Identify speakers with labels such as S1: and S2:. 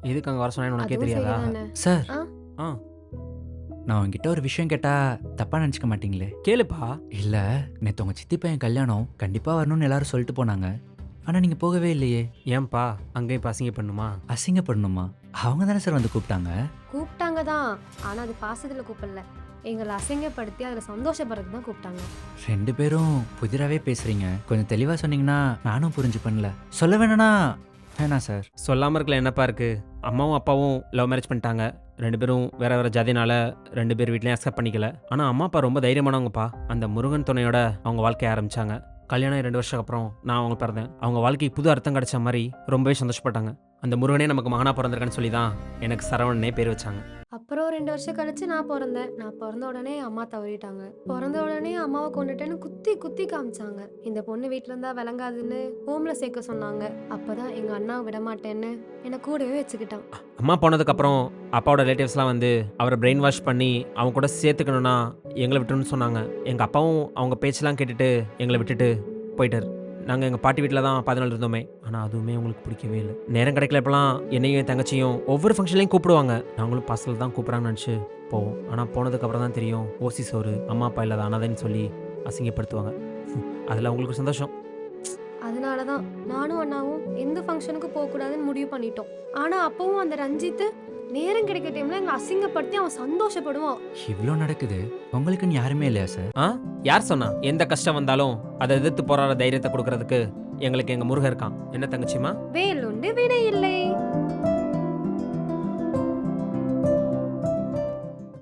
S1: எதுக்கு அங்கே வர சொன்னேன்னு உனக்கே
S2: அதுவும்
S1: தெரியாதா?
S2: சரிதானே.
S3: சார்
S2: ஆ?
S1: ஆ
S3: நான் உங்ககிட்ட ஒரு விஷயம் கேட்டா தப்பா நினச்சிக்க மாட்டீங்களே?
S1: கேளுப்பா.
S3: இல்ல, நேற்று உங்க சித்தி பையன் கல்யாணம் கண்டிப்பா வரணும்னு எல்லாரும் சொல்லிட்டு போனாங்க. ஆனா நீங்க போகவே இல்லையே.
S1: ஏன்பா அங்கேயும் இப்போ அசிங்க பண்ணுமா?
S3: அசிங்கப்படணுமா? அவங்க தானே சார் வந்து கூப்பிட்டாங்க.
S2: கூப்பிட்டாங்க தான். ஆனா அது பாசத்துல கூப்பிடல. எங்களை அசிங்கப்படுத்தி அதுல சந்தோஷப்படுறதுக்கு தான் கூப்பிட்டாங்க.
S3: 2 பேரும் புதிராவே பேசுறீங்க. கொஞ்சம் தெளிவா சொன்னீங்கன்னா நானும் புரிஞ்சு பண்ணல. சொல்ல வேணா வேணாம் சார்.
S1: சொல்லாமல் இருக்கல என்னப்பா இருக்குது? அம்மாவும் அப்பாவும் லவ் மேரேஜ் பண்ணிட்டாங்க. 2 பேரும் வேறு வேறு ஜாதினால 2 பேர் வீட்லேயும் அக்செப்ட் பண்ணிக்கல. ஆனால் அம்மா அப்பா ரொம்ப தைரியமானவங்கப்பா. அந்த முருகன் துணையோட அவங்க வாழ்க்கையை ஆரம்பித்தாங்க. கல்யாணம் 2 வருஷத்துக்கு அப்புறம் நான் அவங்க பிறந்தேன். அவங்க வாழ்க்கைக்கு புது அர்த்தம் கிடைச்ச மாதிரி ரொம்பவே சந்தோஷப்பட்டாங்க. அந்த முருகனே நமக்கு மகனாக பிறந்திருக்கான்னு சொல்லி தான் எனக்கு சரவணனே பேர் வச்சாங்க.
S2: அப்புறம் 2 வருஷம் கழிச்சு நான் பிறந்தேன். நான் பிறந்த உடனே அம்மா தவறிட்டாங்க. பிறந்த உடனே அம்மாவை கொண்டுட்டேன்னு குத்தி குத்தி காமிச்சாங்க. இந்த பொண்ணு வீட்ல இருந்தா விளங்காதுன்னு ஹோம்ல சேர்க்க சொன்னாங்க. அப்பதான் எங்க அண்ணாவை விட மாட்டேன்னு என்னை கூடவே வச்சுக்கிட்டான்.
S1: அம்மா போனதுக்கப்புறம் அப்பாவோட ரிலேட்டிவ்ஸ்லாம் வந்து அவரை பிரெயின் வாஷ் பண்ணி அவங்க கூட சேர்த்துக்கணுன்னா எங்களை விட்டுணும்னு சொன்னாங்க. எங்கள் அப்பாவும் அவங்க பேச்செல்லாம் கேட்டுட்டு எங்களை விட்டுட்டு போயிட்டார். நாங்கள் எங்கள் பாட்டி வீட்டில் தான் 14 இருந்தோமே. ஆனால் அதுவுமே உங்களுக்கு பிடிக்கவே இல்லை. நேரம் கிடைக்கல இப்போலாம் என்னையும் என் தங்கச்சியும் ஒவ்வொரு ஃபங்க்ஷன்லையும் கூப்பிடுவாங்க. நாங்களும் பாசல் தான் கூப்பிட்றாங்கன்னு நினச்சி போவோம். ஆனால் போனதுக்கப்புறம் தான் தெரியும் ஓசி சோறு அம்மா அப்பா இல்லாத அனாதைன்னு சொல்லி அசிங்கப்படுத்துவாங்க. அதில் அவங்களுக்கு சந்தோஷம்.
S2: அதனாலதான் நானும் அண்ணாவும் எந்த ஃபங்க்ஷனுக்கு போக கூடாதுன்னு முடிவு பண்ணிட்டோம். ஆனா அப்பவும் அந்த ரஞ்சித் நேரம் கிடைக்க டைம்ல எங்களை அசிங்கப்படுத்தி அவன் சந்தோஷப்படுவான்.
S3: இவ்ளோ நடக்குது, உங்களுக்குன்னு யாருமே இல்லையா சார்?
S1: யார் சொன்னா? எந்த கஷ்டம் வந்தாலும் அதை எதிர்த்து போராட தைரியத்தை கொடுக்கறதுக்கு எங்களுக்கு எங்கள் முருகன் இருக்கான். என்ன தங்கச்சிமா?
S2: வேலுண்டு வினை இல்லை.